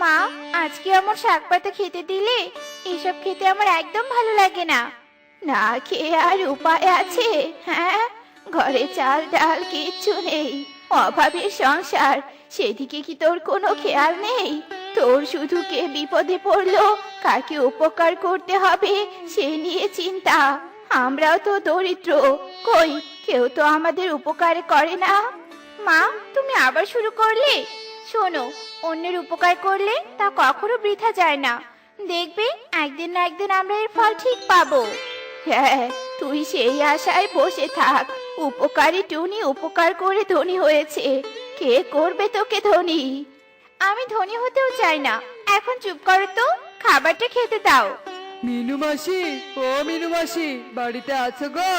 মা, আজকে আমার শাক পাতা খেতে দিলে? এসব খেতে আমার একদম ভালো লাগে না। না খেয়ে আর উপায় আছে? হ্যাঁ, ঘরে চাল ডাল কিচ্ছু নেই, অভাবের সংসার। সেদিকে কি তোর কোনো খেয়াল নেই? তোর শুধু কে বিপদে পড়লো, কাকে উপকার করতে হবে সে নিয়ে চিন্তা। আমরাও তো দরিদ্র, কই কেউ তো আমাদের উপকার করে না। মা, তুমি আবার শুরু করলে? শোনো, অন্যের উপকার করলে তা কখনো বৃথা যায় না। দেখবে একদিন না একদিন আমরা এর ফল ঠিক পাবো। হ্যাঁ, তুই সেই আশায় বসে থাক। উপকারী টুনি উপকার করে ধনী হয়েছে, কে করবে তোকে ধনী? আমি ধনী হতেও চাই না। এখন চুপ করো তো, খাবারটা খেতে দাও। মিনু মাসি, ও মিনু মাসি, বাড়িতে আছো গো?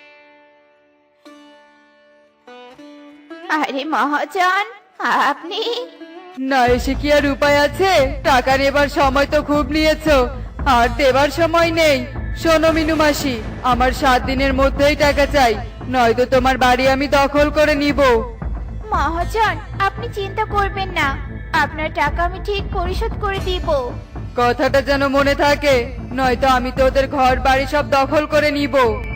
আরে মহাজন, আপনি? না এসে কি আর উপায় আছে? টাকা নেবার সময় তো খুব নিয়েছো, আর দেবার সময় নেই। শোনো মিনু মাসি, আমার 7 দিনের মধ্যেই টাকা চাই, নয়তো তোমার বাড়ি আমি দখল করে নিব। মহাজন, আপনি চিন্তা করবেন না, আপনার টাকা আমি ঠিক পরিশোধ করে দিব। কথাটা যেন মনে থাকে, নয়তো আমি তোদের ঘর বাড়ি সব দখল করে নিব।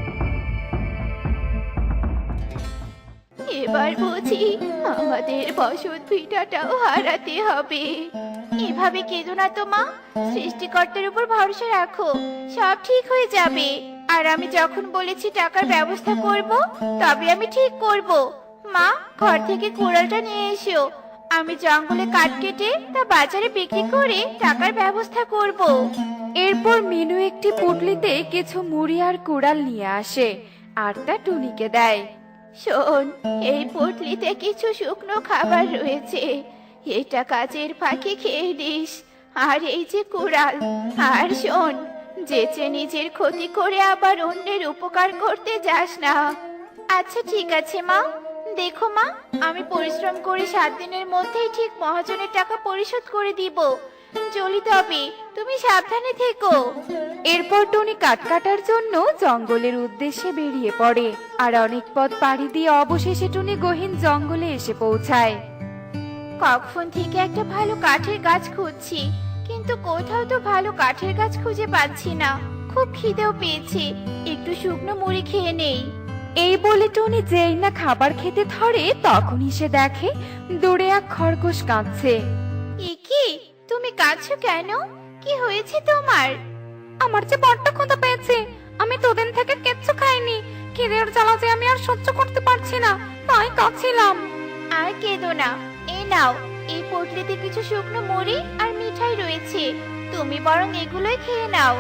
এবার বুঝি আমাদের বসত ভিটাটাও হারাতে হবে। এভাবে কেঁদো না তো মা, সৃষ্টিকর্তার উপর ভরসা রাখো, সব ঠিক হয়ে যাবে। আর আমি যখন বলেছি টাকার ব্যবস্থা করব, তবে আমি ঠিক করব। মা, ঘর থেকে কুড়ালটা নিয়ে এসো, আমি জঙ্গলে কাঠ কেটে তা বাজারে বিক্রি করে টাকার ব্যবস্থা করব। এরপর মিনু একটি পুটলিতে কিছু মুড়ি আর কুড়াল নিয়ে আসে আর তা টুনিকে দেয়। শোন, এই পুটলিতে কিছু শুকনো খাবার রয়েছে, এটা কাজের ফাঁকে খেয়ে নিস। আর এই যে কুড়াল, আর শোন, যেচে নিজের ক্ষতি করে আবার অন্যের উপকার করতে যাস না। আচ্ছা ঠিক আছে মা। দেখো মা, আমি পরিশ্রম করে 7 দিনের মধ্যেই ঠিক মহাজনের টাকা পরিশোধ করে দিব। চলি তবে, তুমি সাবধানে থেকো। এরপর টুনি কাঠ কাটার জন্য জঙ্গলের উদ্দেশ্যে বেরিয়ে পড়ে আর অনেক পথ পাড়ি দিয়ে অবশেষে টুনি গহীন জঙ্গলে এসে পৌঁছায়। কখন থেকে একটা ভালো কাঠের গাছ খুঁজছি, কিন্তু কোথাও তো ভালো কাঠের গাছ খুঁজে পাচ্ছি না। খুব খিদেও পেয়েছে, একটু শুকনো মুড়ি খেয়ে নেই। এই বলে টুনি যেই না খাবার খেতে ধরে তখনই সে দেখে দূরে এক খরগোশ কাঁদছে। কি, তুমি কাঁদছো কেন? কি হয়েছে তোমার? আমার যে বড্ড ক্ষুধা পেয়েছে, আমি দুদিন থেকে কিচ্ছু খাইনি। খিদের জ্বালা যে আমি আর সহ্য করতে পারছি না, তাই কাঁদছিলাম। আর কেঁদো না, এই নাও, এই পুটলিতে কিছু শুকনো মুড়ি আর মিঠাই রয়েছে, তুমি বরং এগুলোই খেয়ে নাও।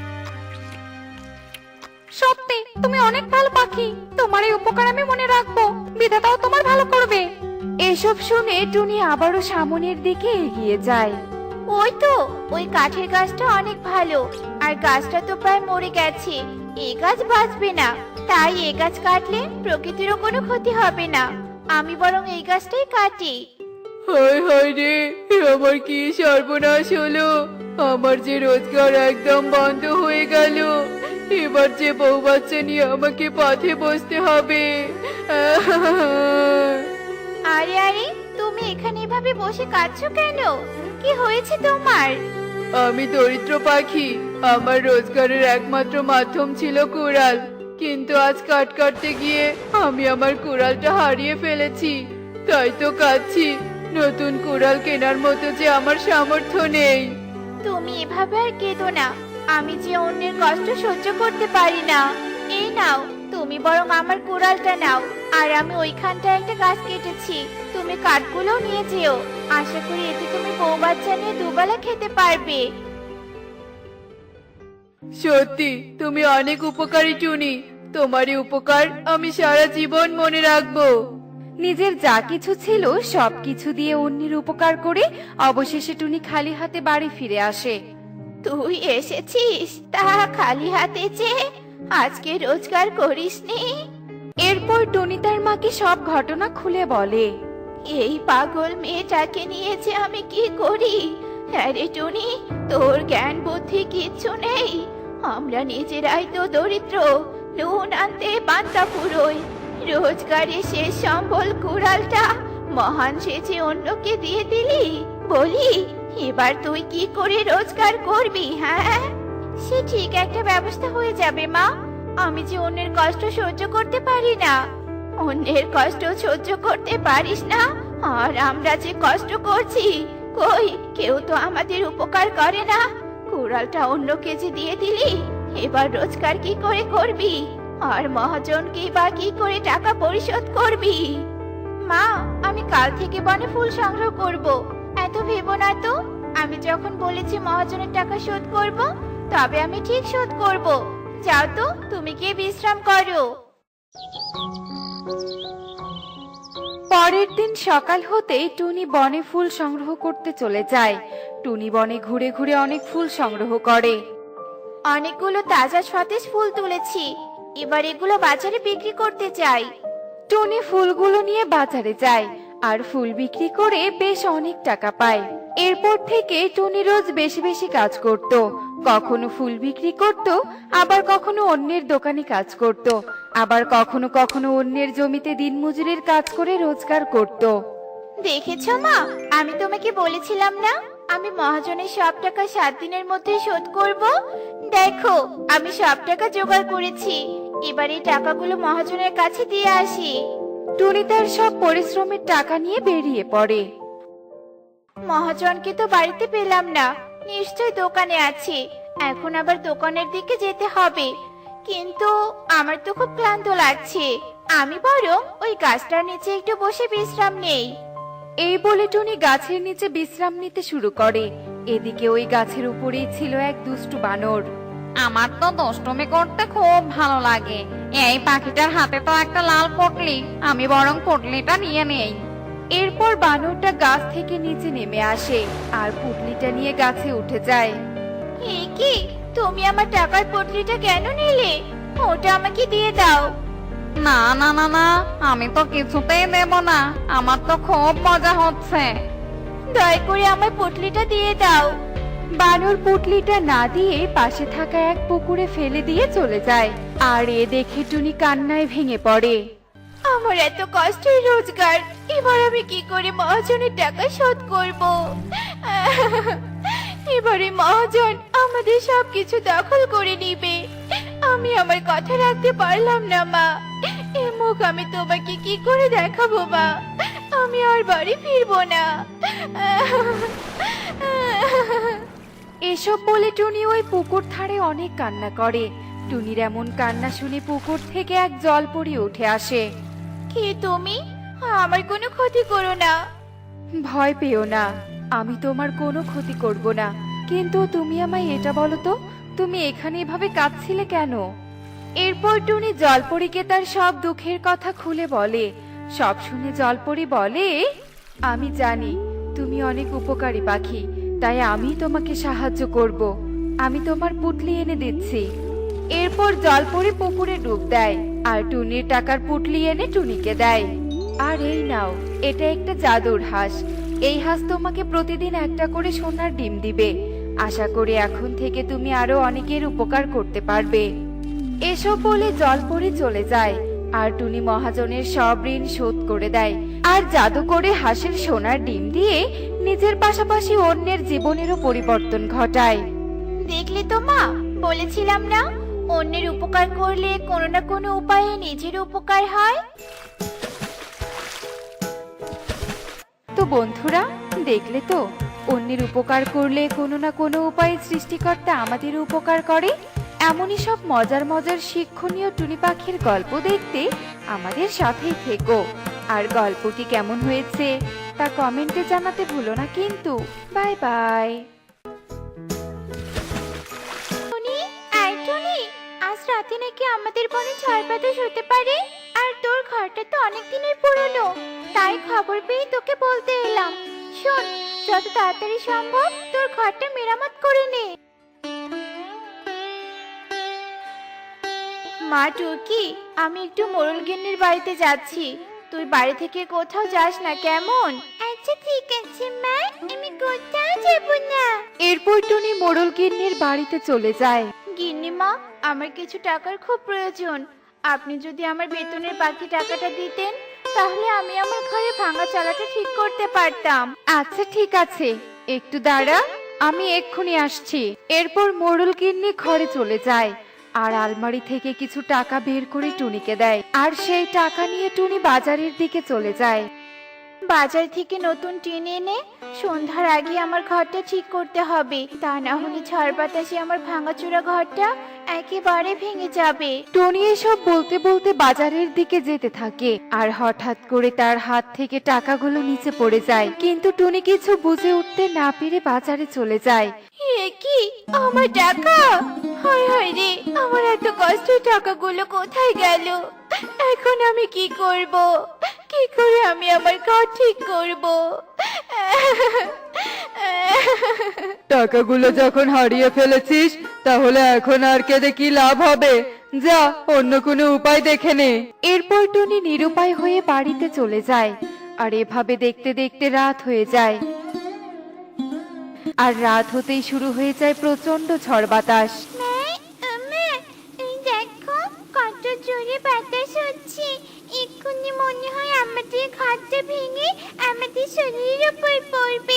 সত্যি তুমি অনেক ভালো পাখি, তোমার এই উপকার আমি মনে রাখবো, বিধাতাও তোমার ভালো করবে। এসব শুনে টুনি আবারও সামনের দিকে এগিয়ে যায়। ওই তো, ওই কাঠের গাছটা অনেক ভালো, আর গাছটা তো প্রায় মরে গেছে। এই গাছ বাঁচবে না, তাই এই গাছ কাটলে প্রকৃতিরও কোনো ক্ষতি হবে না। আমি বরং এই গাছটাই কাটি। হায় হায় রে, আমার কি সর্বনাশ হলো! আমার যে রোজগার একদম বন্ধ হয়ে গেল, এবার যে বউ বাচ্চা নিয়ে আমাকে পথে বসতে হবে। আরে আরে, তুমি এখানে এভাবে বসে কাঁদছো কেন? কি হয়েছে তোমার? আমি দরিদ্র পাখি, আমার রোজগারের একমাত্র মাধ্যম ছিল কুড়াল, কিন্তু আজ কাঠ কাটতে গিয়ে আমি আমার কুড়ালটা হারিয়ে ফেলেছি, তাই তো কাঁদছি। নতুন কুড়াল কেনার মতো যে আমার সামর্থ্য নেই। তুমি এভাবে আর কেঁদো না, আমি যে অন্যের কষ্ট সহ্য করতে পারি না। এই নাও, তুমি বরং আমার কুড়ালটা নাও, আর আমি ওইখানটায় একটা গাছ কেটেছি, তুমি কাঠগুলো নিয়ে যেও। আশা করি এতে তুমি বউ বাচ্চা নিয়ে দুবেলা খেতে পারবে। সত্যি তুমি অনেক উপকারী টুনি, তোমারই উপকার আমি সারা জীবন মনে রাখবো। নিজের যা কিছু ছিল সবকিছু দিয়ে অন্যের উপকার করে অবশেষে টুনি খালি হাতে বাড়ি ফিরে আসে। তুই এসেছিস তা খালি হাতে যে? আজকে রোজগার করিসনি? এরপর টুনি তার মাকে সব ঘটনা খুলে বলে। এই পাগল মেয়েটাকে নিয়ে যে আমি কি করি? হ্যাঁ রে টুনি, তোর জ্ঞান বুদ্ধি কিচ্ছু নেই। আমরা নিজেরাই তো দরিদ্র, নুন আনতে পান্তা ফুরোই। রোজগারে শেষ সম্বল কুড়ালটা মহান সেজে অন্যকে দিয়ে দিলি। বলি, এবার তুই কি করে রোজগার করবি? হ্যাঁ, সে ঠিক একটা ব্যবস্থা হয়ে যাবে মা। আমি যে অন্যের কষ্ট সহ্য করতে পারি না। অন্যের কষ্ট সহ্য করতে পারিস না, আর আমরা যে কষ্ট করছি, কই কেউ তো আমাদের উপকার করে না। কুড়ালটা অন্য কেজি দিয়ে দিলি, এবার রোজগার কি করে করবি? আর মহাজনকে বা কি করে টাকা পরিশোধ করবি? মা, আমি কাল থেকে বনে ফুল সংগ্রহ করব। এত ভেবো না তো। আমি যখন বলেছি মহাজনের টাকা শোধ করব, তবে আমি ঠিক শোধ করব। যাও তো, তুমি গিয়ে বিশ্রাম করো। পরের দিন সকাল হতেই টুনি বনে ফুল সংগ্রহ করতে চলে যায়। টুনি বনে ঘুরে ঘুরে অনেক ফুল সংগ্রহ করে। অনেকগুলো তাজা সতেজ ফুল তুলেছি, এবার এগুলো বাজারে বিক্রি করতে চাই। টুনি ফুলগুলো নিয়ে বাজারে যায় আর ফুল বিক্রি করে বেশ অনেক টাকা পায়। এরপর থেকে টুনি রোজ বেশি বেশি কাজ করত। কখনো ফুল বিক্রি করত, আবার কখনো অন্যের দোকানে কাজ করত, আবার কখনো কখনো অন্যের জমিতে দিনমজুরের কাজ করে রোজগার করত। দেখেছো মা, আমি তোমাকে বলেছিলাম না আমি মহাজনের সব টাকা 7 দিনের মধ্যে শোধ করব। দেখো, আমি সব টাকা জোগাড় করেছি। এবার এই টাকাগুলো মহাজনের কাছে দিয়ে আসি। টুনি তার সব পরিশ্রমের টাকা নিয়ে বেরিয়ে পড়ে। মহাজনকে তো বাড়িতে পেলাম না, নিশ্চয় দোকানে আছে। এখন আবার দোকানের দিকে যেতে হবে, কিন্তু আমার তো খুব ক্লান্ত লাগছে। আমি বরং ওই গাছটার নিচে একটু বসে বিশ্রাম নেই। এই বলে টুনি গাছের নিচে বিশ্রাম নিতে শুরু করে। এদিকে ওই গাছের উপরেই ছিল এক দুষ্টু বানর। আমার তো দুষ্টুমি করতে খুব ভালো লাগে। এই পাখিটার হাতে তো একটা লাল পটলি, আমি বরং পটলিটা নিয়ে নেই। এরপর বানরটা গাছ থেকে নিচে নেমে আসে আর পুটলিটা নিয়ে গাছে উঠে যায়। এ কি, তুমি আমার টাকার পটলিটা কেন নিলে? ওটা আমাকে দিয়ে দাও। না না না না, আমি তো কিছুতেই দেব না, আমার তো খুব মজা হচ্ছে। দয়া করে আমার পটলিটা দিয়ে দাও। বানর পুটলিটা না দিয়ে পাশে থাকা এক পুকুরে ফেলে দিয়ে চলে যায়। আর এ দেখে টুনি কান্নায় ভেঙে পড়ে। আমার এত কষ্টের রোজগার, এবার আমি কি করে মহাজনের টাকা শোধ করব? এবারে মহাজন আমাদের সবকিছু দখল করে নিবে। আমি আমার কথা রাখতে পারলাম না মা। এ মুখ আমি তোমাকে কি করে দেখাবো মা? আমি আর বাড়ি ফিরবো না। এসব বলে টুনি ওই পুকুর ধারে অনেক কান্না করে। টুনির এমন কান্না শুনে পুকুর থেকে এক জলপরি উঠে আসে। কে তুমি? আমার কোনো ক্ষতি করো না। ভয় পেও না, আমি তোমার কোনো ক্ষতি করব না। কিন্তু তুমি আমায় এটা বলো তো, তুমি এখানে এভাবে কাঁদছিলে কেন? এরপর টুনি জলপরীকে তার সব দুঃখের কথা খুলে বলে। সব শুনে জলপরী বলে, আমি জানি তুমি অনেক উপকারী পাখি, তাই আমি তোমাকে সাহায্য করব। আমি তোমার পুটলি এনে দিচ্ছি। এরপর জলপরী পুকুরে ডুব দেয় আর টুনির টাকার পুটলি এনে টুনিকে দেয়। আর এই নাও, এটা একটা জাদুর হাঁস। এই হাঁস তোমাকে প্রতিদিন একটা করে সোনার ডিম দিবে। আশা করি এখন থেকে তুমি আরো অনেকের উপকার করতে পারবে। এসব বলে জলপরী চলে যায় আর টুনি মহাজনের সব ঋণ শোধ করে দেয় আর জাদু করে হাঁসের সোনার ডিম দিয়ে নিজের পাশাপাশি অন্যের জীবনেরও পরিবর্তন ঘটায়। দেখলে তো মা, বলেছিলাম না অন্যের উপকার করলে কোনো না কোনো উপায়ে নিজের উপকার হয়। তো বন্ধুরা, দেখলে তো, অন্যের উপকার করলে কোনো না কোনো উপায়ে সৃষ্টিকর্তা আমাদের উপকার করে। এমনই সব মজার মজার শিক্ষণীয় টুনি পাখির গল্প দেখতে আমাদের সাথেই থেকো। আর গল্পটি কেমন হয়েছে তা কমেন্টে জানাতে ভুলো না কিন্তু। Bye by. টুনি, আয় টুনি, আজ রাতে নাকি আমাদের বনে ঝড় বাতাস হতে পারে। আর তোর ঘরটা তো অনেক দিনের পুরনো, তাই খবর পেয়ে তোকে বলতে এলাম। শোন, যত তাড়াতাড়ি সম্ভব তোর ঘরটা মেরামত করে নে। মা টুকি, আমি একটু মোড়ল গিন্নির বাড়িতে যাচ্ছি। তুই বাড়ি থেকে কোথাও যাস না, কেমন? আচ্ছা ঠিক আছে মা, আমি কোথাও যাব না। এরপর টুনি মোড়ল গিন্নির বাড়িতে চলে যায়। গিন্নিমা, আমার কিছু টাকার খুব প্রয়োজন। আপনি যদি আমার বেতনের বাকি টাকাটা দিতেন, তাহলে আমি আমার ঘরে ভাঙা চালাটা ঠিক করতে পারতাম। আচ্ছা ঠিক আছে, একটু দাঁড়া, আমি এক্ষুনি আসছি। এরপর মোড়ল গিন্নি ঘরে চলে যায় আর আলমারি থেকে কিছু টাকা বের করে টুনিকে দেয়, আর সেই টাকা নিয়ে টুনি বাজারের দিকে চলে যায়। বাজার থেকে নতুন টিন এনে সন্ধ্যার আগে আমার ঘরটা ঠিক করতে হবে, তা না হলে ঝড় বাতাসে আমার ভাঙাচোরা ঘরটা একেবারে ভেঙে যাবে। টনি এসব বলতে বলতে বাজারের দিকে যেতে থাকে, আর হঠাৎ করে তার হাত থেকে টাকাগুলো নিচে পড়ে যায়। কিন্তু টনি কিছু বুঝে উঠতে না পেরে বাজারে চলে যায়। এ কি, আমার টাকা! হায় হায় রে, আমার এত কষ্টের টাকাগুলো কোথায় গেল? এখন আমি কি করব? কি করে আমি আমার ঘর ঠিক করব? টাকাগুলো যখন হারিয়ে ফেলেছিস, তাহলে এখন আর কেঁদে কি লাভ হবে? যা, অন্য কোনো উপায় দেখে নে। এরপর টনি নিরুপায় হয়ে বাড়িতে চলে যায়, আর এভাবে দেখতে দেখতে রাত হয়ে যায়। আর রাত হতেই শুরু হয়ে যায় প্রচন্ড ঝড় বাতাস। দেখো কত জোরে বাতাস হচ্ছে, এক্ষুনি মনে হয় আমাদের ঘরটা ভেঙে আমাদের শরীরের উপর পড়বে।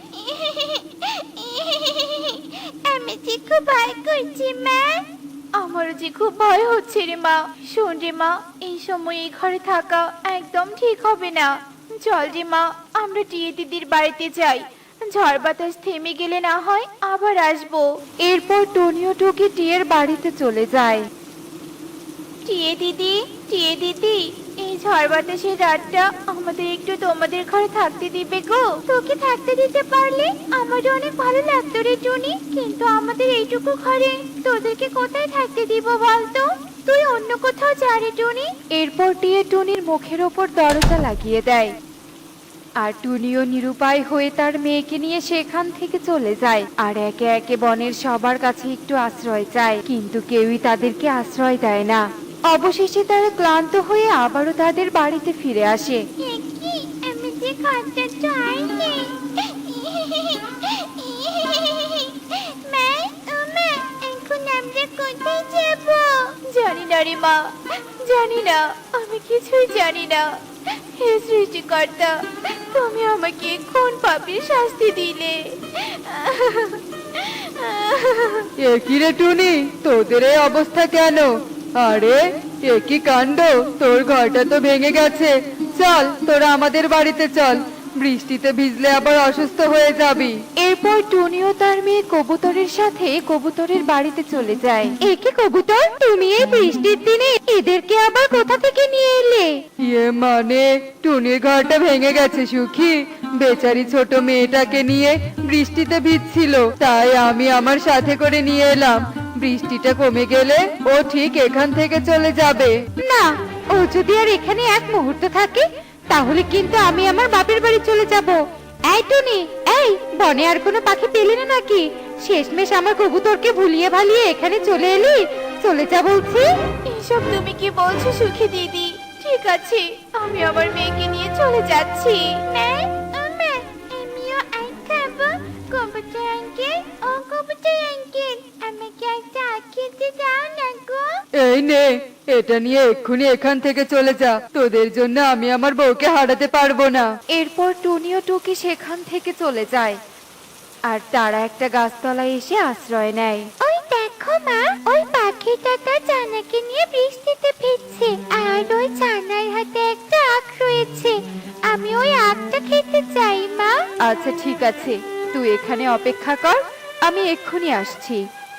আমি যে খুব ভয় করছি মা। আমারও যে খুব ভয় হচ্ছে রে মা। শোন রে মা, এই সময় এই ঘরে থাকা একদম ঠিক হবে না। চল রে মা, আমরা টিয়ে দিদির বাড়িতে যাই। ঝড় বাতাস থেমে গেলে না হয় আবার আসবো। এরপর টনিও টুকি টিয়ের বাড়িতে চলে যায়। টিয়ে দিদি, টিয়ে দিদি, এই ঝড় বাতাসের রাতটা আমাদের একটু তোমাদের ঘরে থাকতে দিবে গো? তোকে থাকতে দিতে পারলে আমারও অনেক ভালো লাগতো রে টুনি, কিন্তু আমাদের এইটুকু ঘরে তোদেরকে কোথায় থাকতে দিব বলতো? তুই অন্য কোথাও যা রে টুনি। এরপর টিয়ে টুনির মুখের ওপর দরজা লাগিয়ে দেয়, আর টুনিও নিরুপায় হয়ে তার মেয়েকে নিয়ে সেখান থেকে চলে যায়। আর একে একে বনের সবার কাছে একটু আশ্রয় চায়, কিন্তু কেউই তাদেরকে আশ্রয় দেয় না। অবশেষে তারা ক্লান্ত হয়ে আবারও তাদের বাড়িতে ফিরে আসে। কি, আমি যে ঘরটা তো আর নেই। মা, ও মা, এখন আমরা কোথায় যাব? জানি না রে মা, জানি না, আমি কিছুই জানি না। হে সৃষ্টিকর্তা, তুমি আমাকে কোন পাপের শাস্তি দিলে? এ কি রে টুনি, তোদের এই অবস্থা কেন? আরে, এ কি কাণ্ড! তোর ঘরটা তো ভেঙে গেছে। চল, তোরা আমাদের বাড়িতে চল, বৃষ্টিতে ভিজলে আবার অসুস্থ হয়ে যাবি। এরপর টুনিও তার মেয়ে কবুতরের সাথে কবুতরের বাড়িতে চলে যায়। একে কবুতর, তুমি এই বৃষ্টির দিনে এদেরকে আবার কোথা থেকে নিয়ে এলে? ইয়ে মানে, টুনির ঘরটা ভেঙে গেছে সুখী। বেচারি ছোট মেয়েটাকে নিয়ে বৃষ্টিতে ভিজছিল, তাই আমি আমার সাথে করে নিয়ে এলাম। বৃষ্টিটা কমে গেলে ও ঠিক এখান থেকে চলে যাবে। না, ও যদি আর এখানে এক মুহূর্ত থাকে, তাহলে কিন্তু আমি আমার বাপের বাড়ি চলে যাব। এই টুনি, এই বনে আর কোনো পাখি পেলি না নাকি? শেষমেশ আমার কবুতরকে ভুলিয়ে ভালিয়ে এখানে চলে এলি। চলে যা বলছি। এসব তুমি কি বলছো সুখী দিদি? ঠিক আছে, আমি আমার মেয়েকে নিয়ে চলে যাচ্ছি। আমিও আইস খাবো। কবুতর আঙ্কেল, ও কবুতর আঙ্কেল, আমাকে একটা আখ খেতে দাও না গো। এই নে, এটা নিয়ে এক্ষুনি এখান থেকে চলে যা। তোদের জন্য আমি আমার বউকে হারাতে পারবো না। এরপর টুনিও টুকি সেখান থেকে চলে যায়, আর তারা একটা গাছতলায় এসে আশ্রয় নেয়। ওই দেখো মা, ওই পাখিটা তার ছানাকে নিয়ে বৃষ্টিতে ভিজছে, আর ওই ছানার হাতে একটা আখ রয়েছে। আমি ওই আখটা খেতে চাই মা। আচ্ছা ঠিক আছে, তুই এখানে অপেক্ষা কর, আমি এক্ষুনি আসছি।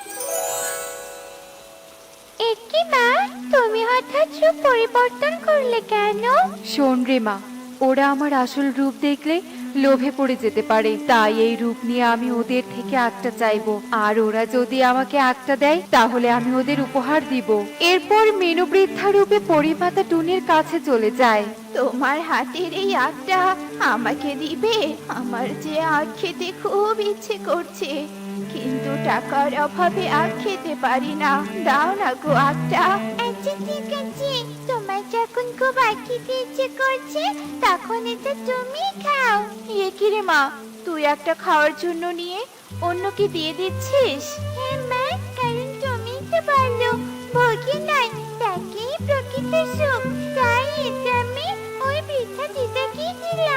একি মা, তুমি হঠাৎ রূপ পরিবর্তন করলে কেন? শোন রে মা, ওরা আমার আসল রূপ দেখলে লোভে পড়ে যেতে পারে, তাই এই রূপ নিয়ে আমি ওদের থেকে আটটা চাইবো। আর ওরা যদি আমাকে আটটা দেয়, তাহলে আমি ওদের উপহার দিব। এরপর মেনু বৃদ্ধা রূপে পরিমাতা টুনির কাছে চলে যায়। তোমার হাতের এই আখটা আমাকে দিবে? আমার যে আখ খেতে খুব ইচ্ছে করছে, কিন্তু টাকার অভাবে আখ খেতে পারি না। দাও না গো আখটা। আচ্ছা ঠিক আছে, তোমার যখন খুব আখ খেতে ইচ্ছে করছে, তখন এটা তুমি খাও। এ কি রে মা, তুই একটা খাওয়ার জন্য নিয়ে অন্যকে দিয়ে দিচ্ছিস? হ্যাঁ মা, কারণ তুমি তো ভালো, ভোগী নাই, তাকেই প্রকৃত সুখ। তাই এটা আমি ওই বৃদ্ধা দিদাকে দিলাম।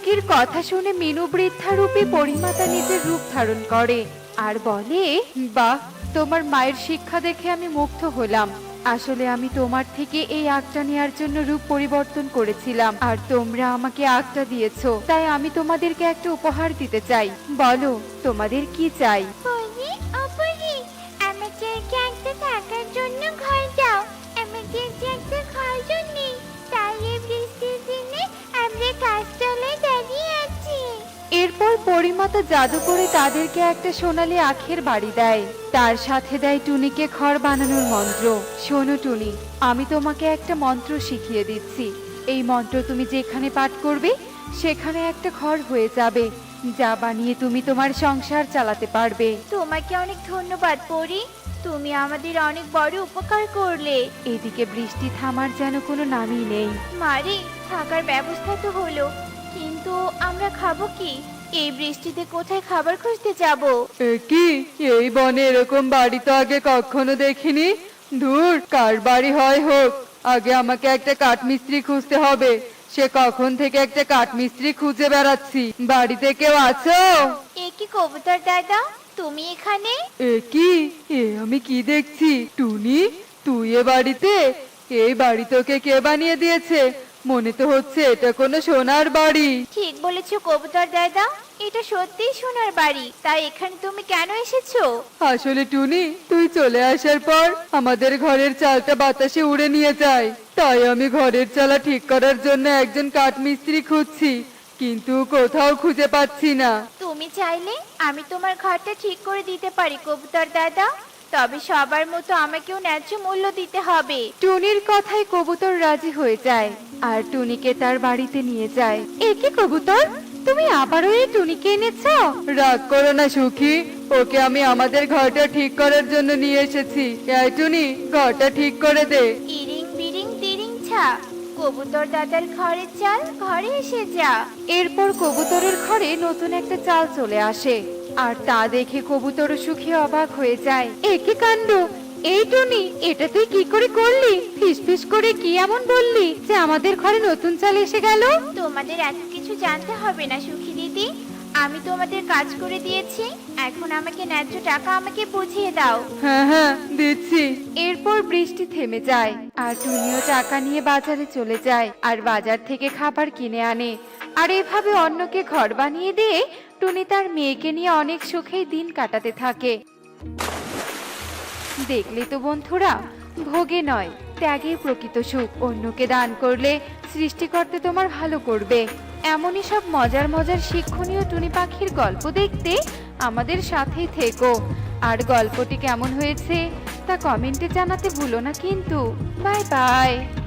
টুকির কথা শুনে মিনু বৃদ্ধারূপী পরিমাতা নিজের রূপ ধারণ করে আর বলে, বাহ, তোমার মায়ের শিক্ষা দেখে আমি মুগ্ধ হলাম। আসলে আমি তোমার থেকে এই আগটা নেয়ার জন্য রূপ পরিবর্তন করেছিলাম, আর তোমরা আমাকে আগটা দিয়েছো, তাই আমি তোমাদেরকে একটা উপহার দিতে চাই। বলো তোমাদের কি চাই? পরি অপরি, আমাদেরকে একটা থাকার জন্য ঘর দাও। আমাদের যে একটা ঘর নেই, তাই এই বৃষ্টির দিনে আমরা গাছতলায় দাঁড়িয়ে আছি। এরপর পরিমাতা জাদু করে তাদেরকে একটা সোনালী আখের বাড়ি দেয়, তার সাথে দেয় টুনিকে ঘর বানানোর মন্ত্র। শোনো টুনি, আমি তোমাকে একটা মন্ত্র শিখিয়ে দিচ্ছি। এই মন্ত্র তুমি যেখানে পাঠ করবে সেখানে একটা ঘর হয়ে যাবে, যা বানিয়ে তুমি তোমার সংসার চালাতে পারবে। তোমাকে অনেক ধন্যবাদ পরি, তুমি আমাদের অনেক বড় উপকার করলে। এদিকে বৃষ্টি থামার যেন কোনো নামই নেই। মারে, থাকার ব্যবস্থা তো হলো, কিন্তু আমরা খাবো কি? এই বৃষ্টিতে কোথায় খাবার খুঁজতে যাব? কি এই বনে এরকম বাড়ি তো আগে কখনো দেখিনি। ধুর, কার বাড়ি হয় হোক, আগে আমাকে একটা কাঠমিস্ত্রি খুঁজতে হবে। সে কখন থেকে একটা কাঠমিস্ত্রি খুঁজে বেড়াচ্ছি। বাড়িতে কেউ আছো? এ কি কবুতর দাদা, তুমি এখানে? আমি কি দেখছি? টুনি, তুই এ বাড়িতে? এই বাড়ি তোকে কে বানিয়ে দিয়েছে? মনে তো হচ্ছে এটা কোনো সোনার বাড়ি। ঠিক বলেছো কবুতর দাদা, এটা সত্যিই সোনার বাড়ি। তাই এখানে তুমি কেন এসেছো? আসলে টুনি, তুই চলে আসার পর আমাদের ঘরের চালটা বাতাসে উড়ে নিয়ে যায়, তাই আমি ঘরের চালা ঠিক করার জন্য একজন কাঠমিস্ত্রি খুঁজছি, কিন্তু কোথাও খুঁজে পাচ্ছি না। তুমি চাইলে আমি তোমার ঘরটা ঠিক করে দিতে পারি কবুতর দাদা, তবে সবার মতো আমাকেও ন্যায্য মূল্য দিতে হবে। টুনির কথায় কবুতর রাজি হয়ে যায় আর টুনিকে তার বাড়িতে নিয়ে যায়। একে কবুতর, তুমি আবারও এই টুনিকে এনেছো? রাগ করো না সুখী, ওকে আমি আমাদের ঘরটা ঠিক করার জন্য নিয়ে এসেছি। এই টুনি, ঘরটা ঠিক করে দে। ইরিং বিরিং তিরিং ছা, কবুতর দাদার ঘরের চাল ঘরে এসে যা। এরপর কবুতরের ঘরে নতুন একটা চাল চলে আসে, আর তা দেখে কবুতর সুখী অবাক হয়ে যায়। একে কাণ্ড, এই টুনি, এটা তুই কি করে করলি? ফিসফিস করে কি এমন বললি যে আমাদের ঘরে নতুন চাল এসে গেল? তোমাদের এত কিছু জানতে হবে না সুখী দিদি, আমি তোমাদের কাজ করে দিয়েছি। এখন আমাকে ন্যায্য টাকা আমাকে বুঝিয়ে দাও। হ্যাঁ হ্যাঁ, দিচ্ছি। এরপর বৃষ্টি থেমে যায় আর টুনিও টাকা নিয়ে বাজারে চলে যায় আর বাজার থেকে খাবার কিনে আনে। আর এভাবে অন্যকে ঘর বানিয়ে দিয়ে টুনি তার মেয়েকে নিয়ে অনেক সুখেই দিন কাটাতে থাকে। দেখলে তো বন্ধুরা, ভোগে নয়, ত্যাগেই প্রকৃত সুখ। অন্যকে দান করলে সৃষ্টিকর্তা তোমার ভালো করবে। এমনই সব মজার মজার শিক্ষণীয় টুনি পাখির গল্প দেখতে আমাদের সাথেই থেকো। আর গল্পটি কেমন হয়েছে তা কমেন্টে জানাতে ভুলো না কিন্তু। Bye by.